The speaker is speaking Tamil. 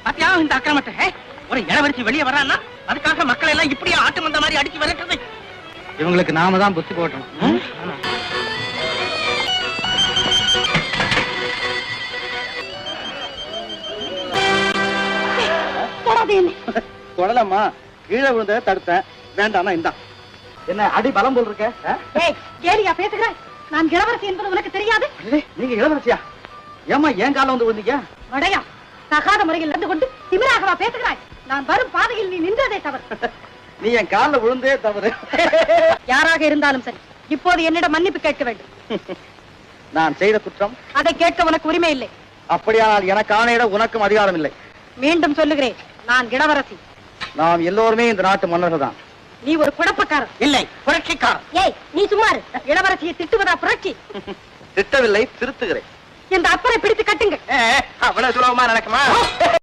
பாத்தியா இந்த அக்கிரமத்தை? ஒரு இளவரசி வெளியே வரான்னா அதுக்காக மக்கள் எல்லாம் இப்படியே ஆட்டு மந்த மாதிரி அடிச்சு விரட்டுறது. இவங்களுக்கு நாம தான் புத்தி போட்டணும். தொடலம்மா, கீழே விழுந்த தடுத்தேன். வேண்டாம்னா இந்தா. என்ன அடி பலம் போல் இருக்க? கேலியா பேசுகிறேன்? நான் இளவரசி என்பது உனக்கு தெரியாது? நீங்க இளவரசியா? ஏமா ஏன் கால வந்து விழுந்தீங்க? வடையா, தகாத முறையில் நடந்து கொண்டு திமிராகவா பேசுகிறாய்? நான் வரும் பாதையில் நீ நின்றதே தவறு. நீ என் காலில் விழுந்தே தவறு. யாராக இருந்தாலும் சரி, இப்போது என்னிடம் மன்னிப்பு கேட்க வேண்டும். நான் செய்த குற்றம்? அதை கேட்க உனக்கு உரிமை இல்லை. அப்படியானால் எனக்கு ஆணையிட உனக்கும் அதிகாரம் இல்லை. மீண்டும் சொல்லுகிறேன், நான் இளவரசி. நாம் எல்லோருமே இந்த நாட்டு மன்னர்கள் தான். நீ ஒரு குழப்பக்காரன். இல்லை, புரட்சிக்காரன். ஏய், நீ சும்மாரு. இளவரசியை திட்டுவதா புரட்சி? திட்டவில்லை, திருத்துகிறேன். இந்த அப்பரை பிடித்து கட்டுங்க. அவ்வளவு சுலபமா நடக்குமா?